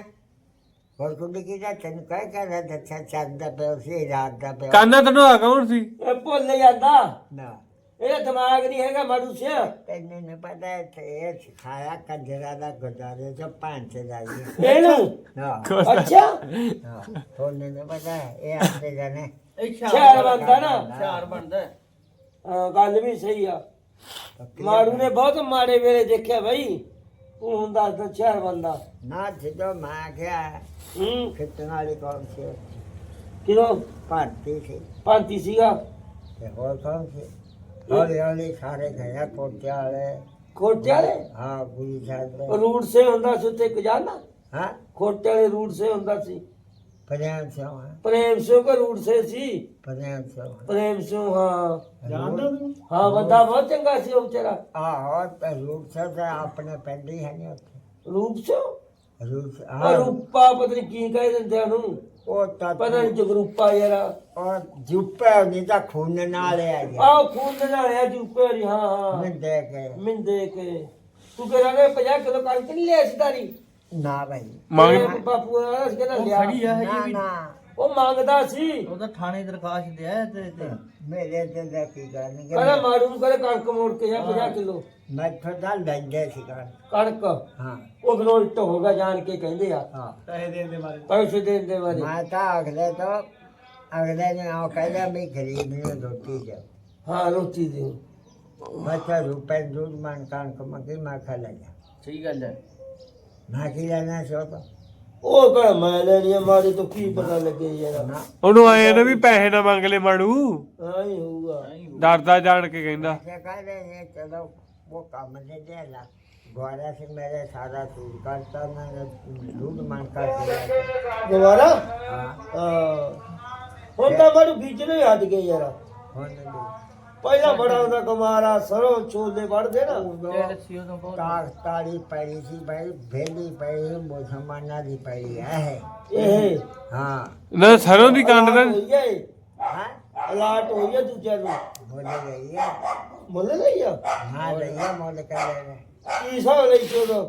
Speaker 1: ਹੋਰ ਕੁੰਡੀ ਕਿਹਦਾ ਤੈਨੂੰ ਕਹਿ ਕੇ ਦੱਸਿਆ ਚੰਦਾ ਪਿਆ ਸੀ ਰਾਤ ਦਾ ਪਿਆ
Speaker 3: ਕਾਨਾ ਤਨਵਾ ਕੌਣ ਸੀ
Speaker 2: ਇਹ ਭੁੱਲ ਜਾਂਦਾ
Speaker 1: ਨਾ
Speaker 2: ਇਹਦਾ ਦਿਮਾਗ ਨਹੀਂ ਹੈਗਾ ਮਾੜੂ ਸਿਆ
Speaker 1: ਤੈਨੂੰ ਨਹੀਂ ਪਤਾ ਤੇ ਇਹ ਸਿਖਾਇਆ ਕੰਜਰਾ ਦਾ ਗੁਰਦਾਰੇ ਚ ਪੰਜ ਲਾਈਏ
Speaker 2: ਇਹਨੂੰ
Speaker 1: ਹਾਂ
Speaker 2: ਅੱਛਾ
Speaker 1: ਹਾਂ ਤੁਹਾਨੂੰ ਨਹੀਂ ਪਤਾ ਇਹ ਆਪੇ ਜਾਣੇ
Speaker 4: ਇਹ
Speaker 2: ਸ਼ਹਿਰ ਬਣਦਾ ਨਾ
Speaker 4: ਸ਼ਹਿਰ ਬਣਦਾ ਹੈ।
Speaker 2: ਹਾਂ, ਗੱਲ ਵੀ ਸਹੀ ਆ ਮਾੜੂ ਨੇ ਬਹੁਤ ਮਾੜੇ ਵੇਲੇ ਦੇਖਿਆ ਬਈ ਤੂੰ ਹੁਣ ਦੱਸ ਦਾ ਸ਼ਹਿਰ ਬੰਦਾ
Speaker 1: ਨਾ ਜਦੋਂ ਮੈਂ ਗਿਆ
Speaker 2: ਹੂੰ
Speaker 1: ਖਿੱਚਣ ਵਾਲੀ ਕੌਣ ਸੀ
Speaker 2: ਕਿਦੋਂ
Speaker 1: ਭਾਰਤੀ ਸੀ
Speaker 2: ਭਾਂਤੀ ਸੀਗਾ
Speaker 1: ਤੇ ਹੋਰ ਕੌਣ ਸੀ ਹੌਲੀ ਹੌਲੀ ਸਾਰੇ ਗਏ ਕੋਟਿਆ ਵਾਲੇ
Speaker 2: ਖੋਟੇ ਵਾਲੇ
Speaker 1: ਹਾਂ ਗੁਰੂ ਸਾਹਿਬ ਦੇ
Speaker 2: ਰੂਟ ਸੇ ਹੁੰਦਾ ਸੀ ਉੱਥੇ ਇੱਕ ਜਾਣਾ
Speaker 1: ਹਾਂ
Speaker 2: ਖੋਟੇ ਵਾਲੇ ਰੂਟ ਸੇ ਹੁੰਦਾ ਸੀ
Speaker 1: ਪ੍ਰੇਮ ਸਿੰਘ ਹੈ
Speaker 2: ਪ੍ਰੇਮ ਸਿੰਘ ਕੋ ਰੂਟ ਸੇ ਸੀ
Speaker 1: ਪ੍ਰੇਮ ਸਿੰਘ
Speaker 2: ਪ੍ਰੇਮ ਸਿੰਘ ਹਾਂ
Speaker 5: ਜਾਣਦਾ ਤੂੰ
Speaker 2: ਹਾਂ ਬੰਦਾ ਬਹੁਤ ਚੰਗਾ ਸੀ ਉਹ ਵਿਚਾਰਾ
Speaker 1: ਆਹੋ ਤੇ ਰੂਪ ਸਾਹਿਬ ਦਾ ਆਪਣੇ ਪਿੰਡ ਹੀ ਹੈ ਨਹੀਂ ਉੱਥੇ
Speaker 2: ਰੂਪ ਸਿੰਘ
Speaker 1: ਰੂਪ
Speaker 2: ਆ
Speaker 1: ਹਾਂ
Speaker 2: ਰੂਪਾ ਪਤਾ ਨੀ ਕੀ ਕਹਿ ਦਿੰਦੇ ਉਹਨੂੰ
Speaker 1: ਉਹ ਤਾਂ
Speaker 2: ਪਤਾ ਨਹੀਂ ਜਗਰੂਪਾ ਯਾਰ
Speaker 1: ਉਹ ਜੁੱਪੇ ਨਹੀਂ ਤਾਂ ਖੂਨ ਨਾਲ ਆ ਗਿਆ
Speaker 2: ਆਹ ਖੂਨ ਦੇ ਨਾਲ ਆ ਜੂਪੇ ਦੀ ਹਾਂ ਹਾਂ
Speaker 1: ਮੈਂ ਦੇ ਕੇ
Speaker 2: ਮਿੰਦੇ ਕੇ ਤੂੰ ਕਿਹੜਾ ਨੇ ਪੰਜਾਹ ਕਿਲੋ ਕਣਕ ਨਹੀਂ ਲਿਆ ਸੀ ਤਾਰੀ
Speaker 1: ਨਾ ਭਾਈ
Speaker 3: ਮੰਗ
Speaker 2: ਤੇਰੇ ਬਾਪੂ ਨੇ ਸੀ ਕਹਿੰਦਾ
Speaker 4: ਉਹ
Speaker 2: ਲਿਆ
Speaker 4: ਖੜੀ ਆ
Speaker 1: ਨਾ
Speaker 4: ਹਜੇ ਵੀ
Speaker 1: ਨਾ
Speaker 2: ਉਹ ਮੰਗਦਾ ਸੀ
Speaker 4: ਉਹਦਾ ਥਾਣੇ ਦਰਖਾਸਤ ਦਿਆ ਤੇ ਤੇ
Speaker 1: ਮੇਰੇ ਤੇ ਦਾ ਕੀ ਗੱਲ ਨਹੀਂ
Speaker 2: ਕਹਿੰਦਾ ਮਾਰੂ ਨੂੰ ਕਹਿੰਦਾ ਕਣਕ ਮੋੜ ਕੇ ਜਾ ਪੰਜਾਹ ਕਿਲੋ
Speaker 1: ਮੈਂ ਥੋੜਾ ਲੈਂਦੇ ਸੀ ਕਰ
Speaker 2: ਕਣਕ
Speaker 1: ਹਾਂ
Speaker 2: ਉਹ ਗਲੋਟ ਹੋਗਾ ਜਾਣ ਕੇ ਕਹਿੰਦੇ ਆ
Speaker 1: ਹਾਂ
Speaker 5: ਪੈਸੇ ਦੇਣ ਦੇ ਮਾਰੇ
Speaker 2: ਪੈਸੇ ਦੇਣ ਦੇ ਬਾਰੇ
Speaker 1: ਮੈਂ ਤਾਂ ਅਗਲੇ ਤੋਂ ਅਗਲੇ ਨੇ ਉਹ ਕਹਿੰਦਾ ਵੀ ਗਰੀਬ ਨੂੰ ਰੋਟੀ ਦੇ
Speaker 2: ਹਾਂ ਰੋਟੀ ਦਿਓ
Speaker 1: ਬੱਚਾ ਰੁਪਏ ਦੂਰ ਮੰਨ ਕਾਨ ਕਮ ਕੇ ਮੈਂ ਖਾ ਲਿਆ
Speaker 4: ਸਹੀ ਗੱਲ ਹੈ
Speaker 1: ਮੈਂ ਕੀ ਲੈਣਾ ਸੀ ਉਹ ਤੋਂ
Speaker 2: ਉਹ ਕਹ ਮੈਂ ਲੈਣੀ ਆ ਮਾਰੇ ਤੋਂ ਕੀ ਪਤਾ ਲੱਗੇ ਯਾਰ
Speaker 1: ਨਾ
Speaker 3: ਉਹਨੂੰ ਆਏ ਨਾ ਵੀ ਪੈਸੇ ਨਾ ਮੰਗ ਲੈ ਮਾੜੂ
Speaker 2: ਆਈ ਹੋਊਗਾ
Speaker 3: ਡਰਦਾ ਜਾਣ ਕੇ ਕਹਿੰਦਾ
Speaker 1: क्या कह रहे हैं चलो वो काम दे दे ला ग्वारा से मेरे सारा सूट करता मैंने दूध मान कर दिया
Speaker 2: ਦੁਬਾਰਾ
Speaker 1: हाँ
Speaker 2: ਹਾਂ ਹੁਣ ਤਾਂ ਬੜੂ ਖਿੱਚਣੇ ਹੀ ਹਟ ਗਏ ਯਾਰ
Speaker 1: होने दो
Speaker 2: ਪਹਿਲਾਂ ਬੜਾ ਉਹਦਾ ਕੁਮਾਰਾ ਸਰੋਂ ਛੋਲੇ ਵੜਦੇ ਨਾ
Speaker 4: ਤੇ ਲੱਸੀ ਉਦੋਂ ਬਹੁਤ
Speaker 1: ताक ताड़ी पड़ी थी भाई भेली पड़ी मुसलमाना दी पड़ी है
Speaker 2: ਇਹ
Speaker 1: हाँ
Speaker 3: ਨਾ ਸਰੋਂ ਦੀ ਕੰਡ ਦਾ
Speaker 2: ਹੋਈ ਹੈ
Speaker 1: हाँ
Speaker 2: ਅਲਾਟ ਹੋਈ ਹੈ ਦੂਜਿਆਂ ਨੂੰ
Speaker 1: बोले रही है
Speaker 2: ਮੁੱਲ ਲਈ ਆ
Speaker 1: हाँ रही है मोल कर रहे
Speaker 2: ਕੀ ਹਿਸਾਬ ਲਈ ਚੋਦੋ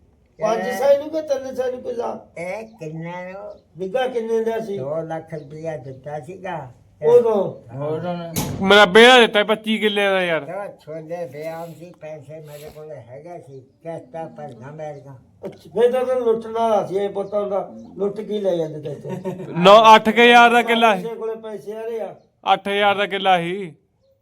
Speaker 2: ਪੰਜ ਸਾਈ ਨੂੰ ਕਿ ਤਿੰਨ ਸਾਈ ਨੂੰ ਕਿਲਾ
Speaker 1: ए किन्ने नो
Speaker 2: ਵਿਗਾ ਕਿੰਨੇ ਦਾ ਸੀ
Speaker 1: दो लाख रुपया दिता सीगा
Speaker 2: ਉਦੋਂ
Speaker 4: ਹੋਰ
Speaker 3: ਮੇਰਾ ਬੇੜਾ ਦਿੱਤਾ ਪੱਚੀ ਕਿੱਲੇ ਦਾ ਯਾਰ
Speaker 1: तो छोले बेआम सी पैसे मेरे को हैगा सी कैसा पर ना मेरे का
Speaker 2: ਅੱਛਾ, ਫਿਰ ਤਾਂ ਤੈਨੂੰ ਲੁੱਟਣ ਵਾਲਾ ਸੀ ਇਹ ਪੁੱਤਾਂ ਦਾ ਲੁੱਟ ਕੀ ਲੈ ਜਾਂਦੇ ਤੇ ਇੱਥੇ
Speaker 3: ਨੌ ਅੱਠ ਕੁ ਹਜ਼ਾਰ ਦਾ ਕਿੱਲਾ ਸੀ
Speaker 2: ਕਿਸੇ ਕੋਲੇ ਪੈਸੇ ਆ ਰਹੇ ਆ
Speaker 3: ਅੱਠ ਹਜ਼ਾਰ ਦਾ ਕਿੱਲਾ ਸੀ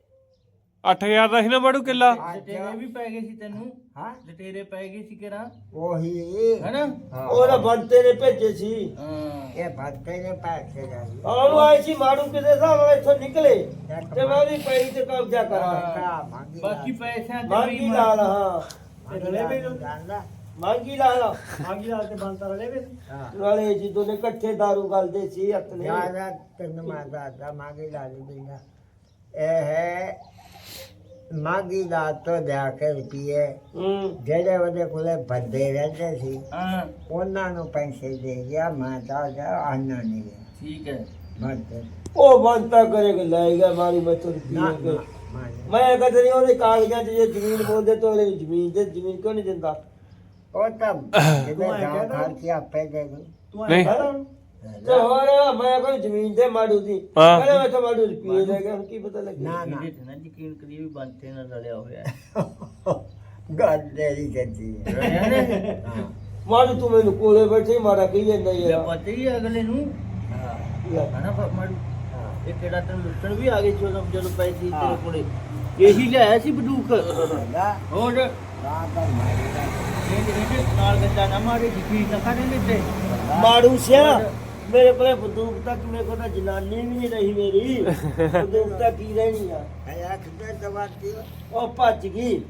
Speaker 3: ਅੱਠ ਹਜ਼ਾਰ ਦਾ ਸੀ ਨਾ ਮਾੜੂ ਕਿੱਲਾ
Speaker 4: ਜਟੇਰੇ ਵੀ ਪੈ ਗਏ ਸੀ ਤੈਨੂੰ
Speaker 1: हाँ
Speaker 4: ਜਟੇਰੇ ਪੈ ਗਏ ਸੀ ਕਿਰਾ
Speaker 1: वही
Speaker 4: ਹੈਨਾ
Speaker 1: हाँ
Speaker 2: ਉਹਦਾ ਬੰਤੇ ਨੇ ਭੇਜੇ ਸੀ
Speaker 4: ਹਾਂ
Speaker 1: ये भक्ते ने पैसे जाई
Speaker 2: ਉਹਨੂੰ ਆਏ ਸੀ ਮਾਰੂ ਕਿਤੇ ਹਿਸਾਬ ਨਾਲ ਇੱਥੋਂ ਨਿਕਲੇ ਤੇ ਮੈਂ ਉਹਦੀ ਪੈੜੀ ਤੇ ਕਬਜ਼ਾ ਕਰਾਂ
Speaker 1: का मांगी
Speaker 4: ਬਾਕੀ ਪੈਸਿਆਂ ਤੇ
Speaker 2: ਮਾਂਗੀ
Speaker 4: ਵੀ
Speaker 2: ਲਾਲ ਹਾਂ
Speaker 5: ਗਲੇ ਵੀ
Speaker 1: जानदा
Speaker 2: ਮੰਗੀ ਲਾ ਲਾ
Speaker 5: ਆਗੀ ਰਾਤ ਤੇ ਬੰਦ ਕਰ ਲੈ ਵੇ
Speaker 1: ਹਾਂ
Speaker 2: ਨਾਲੇ ਜਦੋਂ ਨੇ ਇਕੱਠੇ ਦਾਰੂ ਗਲਦੇ ਸੀ ਆਪਣੇ
Speaker 1: ਜਿਆਦਾ ਤੈਨੂੰ ਮੈਂ ਦੱਸਦਾ ਮਾਗੀ ਲਾ ਲਈ ਬਿੰਦਾ ਇਹ ਹੈ ਮਾਗੀ ਦਾ ਤੋਂ ਲਿਆ ਕੇ ਰੁਪਈਏ
Speaker 2: ਹੂੰ
Speaker 1: ਜਿਹੜੇ ਉਹਦੇ ਕੋਲੇ ਬੰਦੇ ਰਹਿੰਦੇ ਸੀ
Speaker 4: ਹਾਂ
Speaker 1: ਉਹਨਾਂ ਨੂੰ ਪੈਸੇ ਦੇ ਗਿਆ ਮੈਂ ਤਾਂ ਜਾ ਆਨਾ ਨਹੀਂ ਗਿਆ
Speaker 4: ਠੀਕ ਹੈ
Speaker 1: ਬੰਦੇ
Speaker 2: ਉਹ ਬੰਤਾ ਕਰੇਗਾ ਲੈ ਗਿਆ ਮਾਰੀ ਮੈਂ ਤੁਰ
Speaker 1: ਨਾ
Speaker 2: ਪੀ ਕੇ
Speaker 1: ਨਾ, ਮੈਂ-
Speaker 2: ਮੈਂ ਕਹਿੰਦਾ ਨਹੀਂ ਉਹਦੇ ਕਾਗਜ਼ਾਂ 'ਚ ਜੇ ਜ਼ਮੀਨ ਬੋਲਦੇ ਤਾਂ ਉਹਨੇ ਜ਼ਮੀਨ ਦੇ ਜ਼ਮੀਨ ਕਿਉਂ ਨਹੀਂ ਦਿੰਦਾ
Speaker 1: ਉਹ ਤਾਂ ਜਿਹਦੇ ਗਾਂ ਖਾਲ ਕੇ ਆਪੇ ਦੇ ਦੂੰ
Speaker 5: ਤੂੰ
Speaker 3: ਨਹੀਂ।
Speaker 5: ਐਂ ਕਰ
Speaker 2: ਤੇ ਹੋਰ ਮੈਂ ਕੋਈ ਜ਼ਮੀਨ ਦੇ ਮਾੜੂ ਦੀ
Speaker 3: ਹਾਂ।
Speaker 2: ਕਹਿੰਦਾ ਮੈਂ ਤਾਂ ਮਾੜੂ ਰੁਪਏ ਲੈ ਗਿਆ ਹੁਣ ਕੀ ਪਤਾ ਲੱਗਿਆ
Speaker 1: ਨਾ ਨਾ
Speaker 4: ਇਹਦੇ ਤੇ ਨਾ ਯਕੀਨ ਕਰੀ ਵੀ ਬੰਤੇ ਨਾਲ ਰਲਿਆ ਹੋਇਆ ਹੈ
Speaker 1: ਗੱਲ ਤੇਰੀ ਕਹਿੰਦੀ ਹੈ
Speaker 4: ਰਲਿਆ ਨੇ
Speaker 1: ਹਾਂ
Speaker 2: ਮਾੜੂ ਤੂੰ ਮੈਨੂੰ ਕੋਲੇ ਬੈਠੇ ਹੀ ਮਾੜਾ ਕਹੀ ਜਾਂਦਾ
Speaker 4: ਇਹ
Speaker 2: ਯਾਰ
Speaker 4: ਪਤਾ ਹੀ ਹੈ ਅਗਲੇ ਨੂੰ
Speaker 1: ਹਾਂ
Speaker 4: ਹਨਾ ਪ- ਮਾੜੂ
Speaker 1: ਹਾਂ
Speaker 4: ਇਹ ਕਿਹੜਾ ਤੈਨੂੰ ਲੁੱਟਣ ਵੀ ਆ ਗਏ ਜਦੋਂ ਜਦੋਂ ਪੈਸੇ ਸੀ
Speaker 1: ਹਾਂ।
Speaker 4: ਤੇਰੇ ਕੋਲੇ ਇਹੀ ਲਿਆਇਆ ਸੀ ਬੰਦੂਕ
Speaker 1: ਨਾ
Speaker 4: ਹੋਰ
Speaker 1: ਰਾਤ ਦਾ ਮਾਰੀ ਦਾ
Speaker 4: ਇਹਦੇ ਇਹਦੇ ਨਾਲ ਗੱਡਾ ਨਾ ਮਾਰੇ ਯਕੀਨ ਨਾ ਕਰੇ ਨੇ ਤੇ
Speaker 2: ਮਾੜੂ ਸਿਆ ਮੇਰੇ ਕੋਲੇ ਬੰਦੂਕ ਤੱਕ ਮੇਰੇ ਕੋਲ ਤਾਂ ਜਨਾਨੀ ਵੀ ਨਹੀਂ ਰਹੀ ਮੇਰੀ ਬੰਦੂਕ ਤਾਂ ਕੀ ਰਹਿਣੀ ਆ
Speaker 1: ਹੈ ਕਿਤੇ ਦਵਾਤੀ
Speaker 2: ਉਹ ਭੱਜ ਗਈ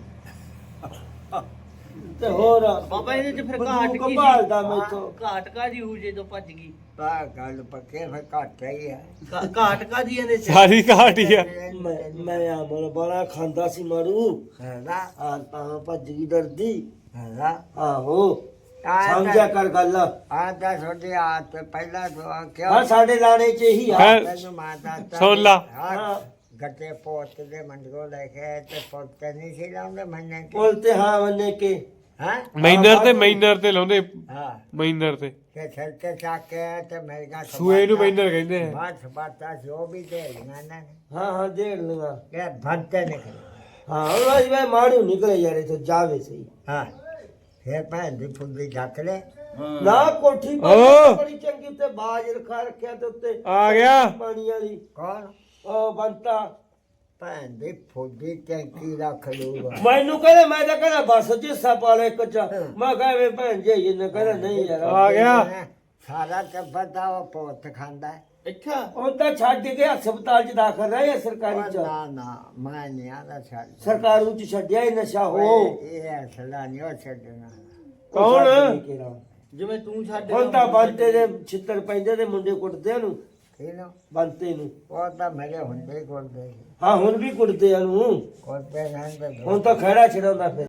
Speaker 2: ਤੇ ਹੋਰ
Speaker 4: ਬਾਬਾ ਇਹਦੇ ਚ ਫਿਰ
Speaker 2: ਬੰਦੂਕ
Speaker 4: ਘਾਟ ਕੀ
Speaker 2: ਭਾਲਦਾ
Speaker 4: ਸੀ
Speaker 2: ਮੈਥੋਂ
Speaker 4: ਘਾਟ ਕਾਦੀ ਹੋ ਜੇ ਤੋਂ ਭੱਜ ਗਈ
Speaker 1: ਪਾ ਗੱਲ ਪੱਕੇ ਫਿਰ ਘੱਟ ਹੀ ਹੈ
Speaker 4: ਘਾ- ਘਾਟ ਕਾਦੀ ਇਹਦੇ ਚ
Speaker 3: ਸਾਰੀ ਘਾਟ ਹੀ ਆ
Speaker 2: ਮੈਂ ਮੈਂ ਆਮਲ ਬੜਾ ਖਾਂਦਾ ਸੀ ਮਾਰੂ
Speaker 1: ਹੈਗਾ
Speaker 2: ਆ ਤਾਂ ਭੱਜ ਗਈ ਡਰਦੀ
Speaker 1: ਹੈਗਾ
Speaker 2: ਆਹੋ ਸਮਝਿਆ ਕਰ ਗੱਲ
Speaker 1: ਆ ਤਾਂ ਛੋਟੇ ਆ ਤੇ ਪਹਿਲਾਂ ਤੋਂ ਆ ਕਿਉਂ
Speaker 2: ਹਾਂ ਸਾਡੇ ਲਾਣੇ ਚ ਇਹੀ ਆ
Speaker 3: ਹੈਂ?
Speaker 1: ਤੈਨੂੰ ਮਾਤਾ
Speaker 3: ਸੁਣ ਲਾ।
Speaker 1: ਹਾਂ ਗੱਟੇ ਪੋਤ ਦੇ ਮੰਡਗੋ ਲੈ ਕੇ ਤੇ ਪੁੱਤ ਨਹੀਂ ਸੀ ਲਾਉਂਦੇ ਮੰਨੇ ਕਿ
Speaker 2: ਬੋਲ ਤੇ ਹਾਂ ਮੰਨੇ ਕੇ
Speaker 1: ਹਾਂ
Speaker 3: ਮਾਈਨਰ ਤੇ ਮਾਈਨਰ ਤੇ ਲਾਉਂਦੇ
Speaker 1: ਹਾਂ
Speaker 3: ਮਾਈਨਰ ਤੇ
Speaker 1: ਤੇ ਸਿਰ ਤੇ ਚੱਕ ਕੇ ਤੇ ਮੇਰੀਆਂ
Speaker 3: ਸੂਏ ਨੂੰ ਮਾਈਨਰ ਕਹਿੰਦੇ ਆ
Speaker 1: ਬਾਤ ਬਾਤਾਂ ਜੋ ਵੀ ਦੇ ਲਈਆਂ ਨੇ
Speaker 2: ਹਾਂ ਹਾਂ ਦੇਖ ਲੂੰਗਾ
Speaker 1: ਇਹ ਭੰਤੇ ਨਿਕਲੇ
Speaker 2: ਹਾਂ ਉਹ ਅੱਜ ਮੈਂ ਮਾੜੂ ਨਿਕਲੇ ਯਾਰ ਇਥੋਂ ਜਾਵੇ ਸਹੀ
Speaker 1: ਹਾਂ ਫਿਰ ਭੈਣ ਦੀ ਫੁੱਲੀ ਚੱਕ ਲੈ
Speaker 4: ਹਾਂ।
Speaker 2: ਨਾ ਕੋਠੀ
Speaker 3: ਓ।
Speaker 2: ਪਰ ਬੜੀ ਚੰਗੀ ਤੇ ਬਾਜ ਰਖਾ ਰੱਖਿਆ ਤੇ ਉੱਤੇ
Speaker 3: ਆ ਗਿਆ
Speaker 2: ਪਾਣੀ ਵਾਲੀ
Speaker 1: ਕੌਣ
Speaker 2: ਉਹ ਬੰਤਾ
Speaker 1: ਭੈਣ ਦੀ ਫੁੱਲੀ ਟੈਂਕੀ ਰੱਖ ਲੂਗਾ
Speaker 2: ਮੈਨੂੰ ਕਹਿੰਦਾ ਮੈਂ ਤਾਂ ਕਹਿੰਦਾ ਬਸ ਜਿੱਸਾ ਪਾ ਲੈ ਕੱਚਾ ਮੈਂ ਕਹਾਂ ਵੇ ਭੈਣ ਜੀ ਇਹਨੇ ਕਹਿੰਦਾ ਨਹੀਂ ਯਾਰ
Speaker 3: ਆ ਗਿਆ
Speaker 1: ਸਾਰਾ ਟੱਬਰ ਦਾ ਉਹ ਪੁੱਤ ਖਾਂਦਾ ਹੈ।
Speaker 4: ਅੱਛਾ
Speaker 2: ਉਹ ਤਾਂ ਛੱਡ ਕੇ ਹਸਪਤਾਲ ਚ ਦਾਖਲ ਰਹੇ ਸਰਕਾਰੀ
Speaker 1: ਉਹ
Speaker 2: ਚ
Speaker 1: ਨਾ ਨਾ ਮੈਂ ਨਹੀਂ ਆਦਾ ਛੱਡ
Speaker 2: ਸਰਕਾਰੂ ਚ ਛੱਡਿਆ ਹੀ ਨਸ਼ਾ ਹੋ
Speaker 1: ਇਹ ਅਸਲਾ ਨਹੀਂ ਉਹ ਛੱਡਣਾ
Speaker 3: ਕੌਣ?
Speaker 4: ਜਿਵੇਂ ਤੂੰ ਛੱਡ
Speaker 2: ਹੁਣ ਤਾਂ ਬੰਤੇ ਦੇ ਛਿੱਤਰ ਪੈਂਦੇ ਤੇ ਮੁੰਡੇ ਕੁੱਟਦੇ ਨੂੰ
Speaker 1: ਇਹਨੂੰ
Speaker 2: ਬੰਤੇ ਨੂੰ
Speaker 1: ਉਹ ਤਾਂ ਮੇਰੇ ਹੁੰਦੇ ਹੀ ਕੋਲਦੇ
Speaker 2: ਹਾਂ ਹੁਣ ਵੀ ਕੁੱਟਦੇ ਆ ਨੂੰ
Speaker 1: ਕੋਲਦੇ ਰਹਿੰਦੇ
Speaker 2: ਹੁਣ ਤਾਂ ਖੜਾ ਛਡਾਉਂਦਾ ਫਿਰ